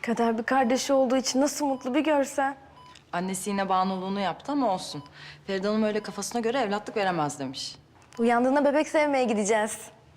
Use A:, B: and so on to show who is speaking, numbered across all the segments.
A: Kader bir kardeşi olduğu için nasıl mutlu bir görsen.
B: Annesi yine bağımlılığını yaptı ama olsun. Feride Hanım öyle kafasına göre evlatlık veremez demiş.
A: Uyandığında bebek sevmeye gideceğiz.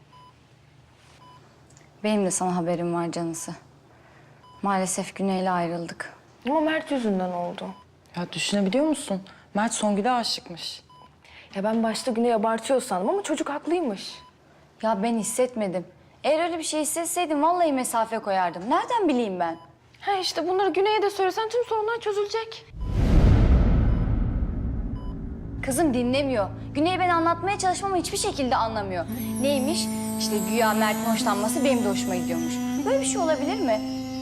C: Benim de sana haberim var Canısı. Maalesef Güney'le ayrıldık.
A: Ama Mert yüzünden oldu.
B: Ya düşünebiliyor musun? Mert Songül'e aşıkmış.
A: Ya ben başta Güney abartıyor sandım ama çocuk haklıymış.
C: Ya ben hissetmedim. Eğer öyle bir şey hissetseydim vallahi mesafe koyardım. Nereden bileyim ben?
A: Ha işte bunları Güney'e de söylesen tüm sorunlar çözülecek.
C: Kızım dinlemiyor. Güney ben anlatmaya çalışmamı hiçbir şekilde anlamıyor. Neymiş? İşte güya Mert'in hoşlanması benim de hoşuma gidiyormuş. Böyle bir şey olabilir mi?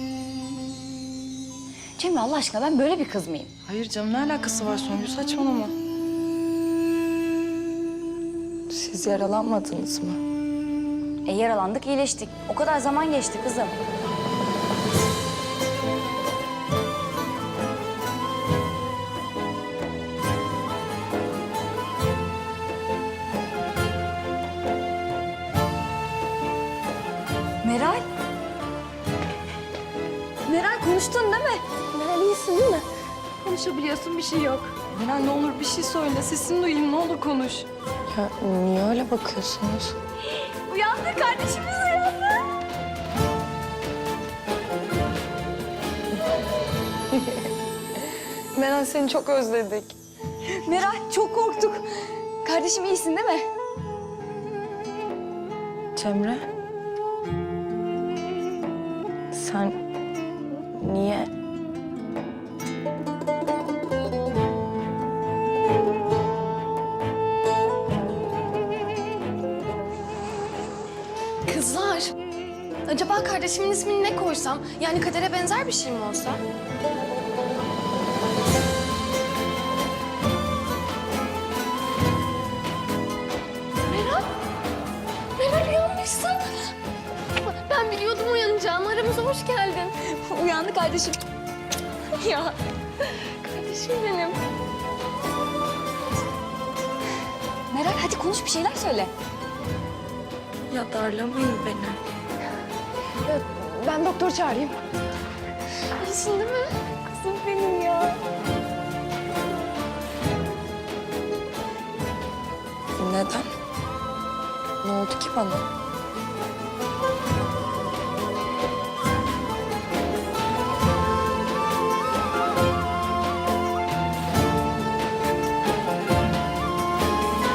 C: Cemre Allah aşkına ben böyle bir kız mıyım?
B: Hayır canım, ne alakası var Songül, saçmalama. Siz yaralanmadınız mı?
C: Yaralandık, iyileştik. O kadar zaman geçti kızım. Meral. Meral konuştun değil mi?
A: Meral iyisin değil mi? Konuşabiliyorsun, bir şey yok.
B: Meral ne olur bir şey söyle, sesini duyayım, ne olur konuş.
A: Ya niye öyle bakıyorsunuz?
C: Uyandı, kardeşimiz uyandı.
A: Meral seni çok özledik.
C: Meral çok korktuk. Kardeşim iyisin değil mi?
A: Cemre. Sen niye?
D: Kızlar, acaba kardeşimin ismini ne koysam? Yani Kader'e benzer bir şey mi olsa? Meral, Meral uyanmışsın. Ben biliyordum uyanacağını. Aramıza hoş geldin.
C: Uyandı kardeşim.
D: Ya, kardeşim benim.
C: Meral hadi konuş bir şeyler söyle.
A: Ya darlamayın beni. Ben doktor çağırayım.
D: İyisin değil mi?
C: Kızım benim ya.
B: Neden? Ne oldu ki bana?